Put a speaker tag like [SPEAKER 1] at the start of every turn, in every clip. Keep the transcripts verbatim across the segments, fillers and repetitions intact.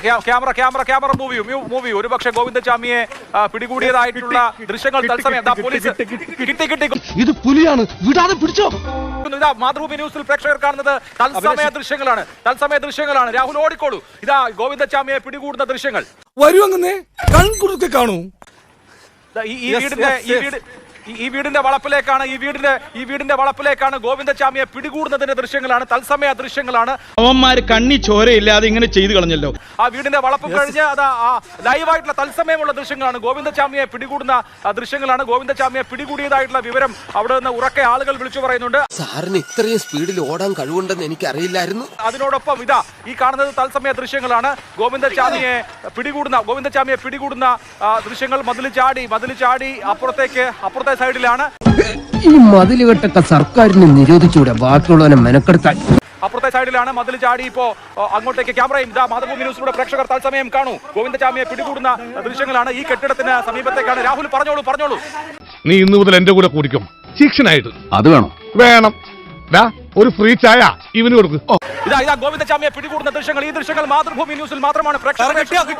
[SPEAKER 1] Camera camera camera movie movie ഒരുപക്ഷെ ഗോവിന്ദചാമിയെ പിടികൂടിയതായിട്ടുള്ള ദൃശ്യങ്ങൾ തത്സമയം പോലീസ് കിട്ടി കിട്ടി
[SPEAKER 2] ഇത് പുലിയാണ് വിടാതെ പിടിച്ചോ.
[SPEAKER 1] ഇതാ മാതൃഭൂമി ന്യൂസിൽ പ്രേക്ഷകർ കാണുന്നത് തത്സമയ ദൃശ്യങ്ങളാണ് തത്സമയ ദൃശ്യങ്ങളാണ് രാഹുൽ ഓടിക്കോളൂ. ഇതാ ഗോവിന്ദചാമിയെ പിടികൂടുന്ന ദൃശ്യങ്ങൾ
[SPEAKER 3] വരുവങ്ങനെ കൺകുറുക്കെ കാണൂ.
[SPEAKER 1] ഈ വീടിന്റെ ഈ വീട് ഈ വീടിന്റെ വളപ്പിലേക്കാണ് ഈ വീടിന്റെ ഈ വീടിന്റെ വളപ്പിലേക്കാണ് ഗോവിന്ദചാമിയെ പിടികൂടുന്നതിന്റെ ദൃശ്യങ്ങളാണ് തത്സമയ ദൃശ്യങ്ങളാണ്.
[SPEAKER 4] അവന്മാര് കണ്ണി ചോരയില്ലാതെ ഇങ്ങനെ ചെയ്തു കളഞ്ഞല്ലോ.
[SPEAKER 1] ആ വീടിന്റെ വളപ്പ് കഴിഞ്ഞ് അത് ലൈവായിട്ടുള്ള തത്സമയമുള്ള ദൃശ്യങ്ങളാണ്. ഗോവിന്ദചാമിയെ പിടികൂടുന്ന ദൃശ്യങ്ങളാണ്. ഗോവിന്ദചാമിയെ പിടികൂടിയതായിട്ടുള്ള വിവരം അവിടെ നിന്ന് ഉറക്കെ ആളുകൾ വിളിച്ചു പറയുന്നുണ്ട്.
[SPEAKER 5] സാറിന് ഇത്രയും സ്പീഡിൽ ഓടാൻ കഴിവുണ്ടെന്ന് എനിക്ക് അറിയില്ലായിരുന്നു.
[SPEAKER 1] അതിനോടൊപ്പം ഇതാ ഈ കാണുന്നത് തത്സമയ ദൃശ്യങ്ങളാണ്. ഗോവിന്ദചാമിയെ പിടികൂടുന്ന ഗോവിന്ദചാമിയെ പിടികൂടുന്ന ദൃശ്യങ്ങൾ. മതിൽ ചാടി മതിൽ ചാടി അപ്പുറത്തേക്ക് അപ്പുറത്തെ സൈഡിലാണ്.
[SPEAKER 5] ഈ മതിലുകെട്ടൊക്കെ സർക്കാരിന് നിരോധിച്ചൂടെ ബാക്കിയുള്ളവനെ മെനക്കെടുത്താൻ.
[SPEAKER 1] അപ്പുറത്തെ സൈഡിലാണ് മതിൽ ചാടി ഇപ്പോ അങ്ങോട്ടേക്ക് ക്യാമറയും ഇതാ മാതൃഭൂമി ന്യൂസിലൂടെ പ്രേക്ഷകർ തത്സമയം കാണൂ. ഗോവിന്ദചാമിയെ പിടികൂടുന്ന ദൃശ്യങ്ങളാണ്. ഈ കെട്ടിടത്തിന് സമീപത്തേക്കാണ്. രാഹുൽ പറഞ്ഞോളൂ പറഞ്ഞോളൂ.
[SPEAKER 3] നീ ഇന്നു മുതൽ എന്റെ കൂടെ കുടിക്കും ശിക്ഷനായിട്ട്.
[SPEAKER 2] അത് വേണം
[SPEAKER 3] വേണം. ഒരു ഫ്രീ ചായ ഇവന് കൊടുക്കും.
[SPEAKER 1] ഇതാ ഇതാ ഗോവിന്ദചാമിയെ പിടികൂടുന്ന ദൃശ്യങ്ങൾ. ഈ ദൃശ്യങ്ങൾ മാതൃഭൂമി ന്യൂസിൽ മാത്രമാണ് പ്രേക്ഷകർ.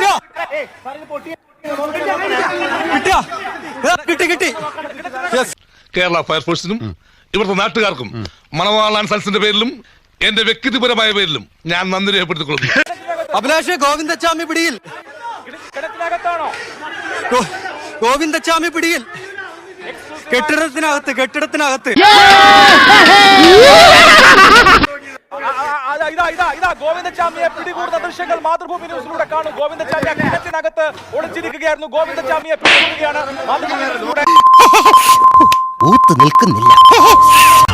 [SPEAKER 3] കേരള ഫയർഫോഴ്സിനും ഇവിടുത്തെ നാട്ടുകാർക്കും മണവാളാൻ സൽസിന്റെ പേരിലും എന്റെ വ്യക്തിപരമായ പേരിലും ഞാൻ നന്ദി രേഖപ്പെടുത്തിക്കൊള്ളുന്നു.
[SPEAKER 6] അഭിലാഷ് ഗോവിന്ദചാമി പിടിയിൽ.
[SPEAKER 1] കിടത്തിനകത്താണോ?
[SPEAKER 6] ഗോവിന്ദചാമി പിടിയിൽ. കെട്ടിടത്തിനകത്ത് കെട്ടിടത്തിനകത്ത്
[SPEAKER 1] ഇതാ ഇതാ ഇതാ ഗോവിന്ദചാമിയെ പിടികൂടുന്ന ദൃശ്യങ്ങൾ മാതൃഭൂമി ന്യൂസിലൂടെ കാണും. ഗോവിന്ദചാമി കിടത്തിനകത്ത് ഒളിച്ചിരിക്കുകയായിരുന്നു. ഗോവിന്ദചാമിയെ പിടികൂടുകയാണ് മാതൃഭൂമി ന്യൂസിലൂടെ.
[SPEAKER 5] നിൽക്കുന്നില്ല.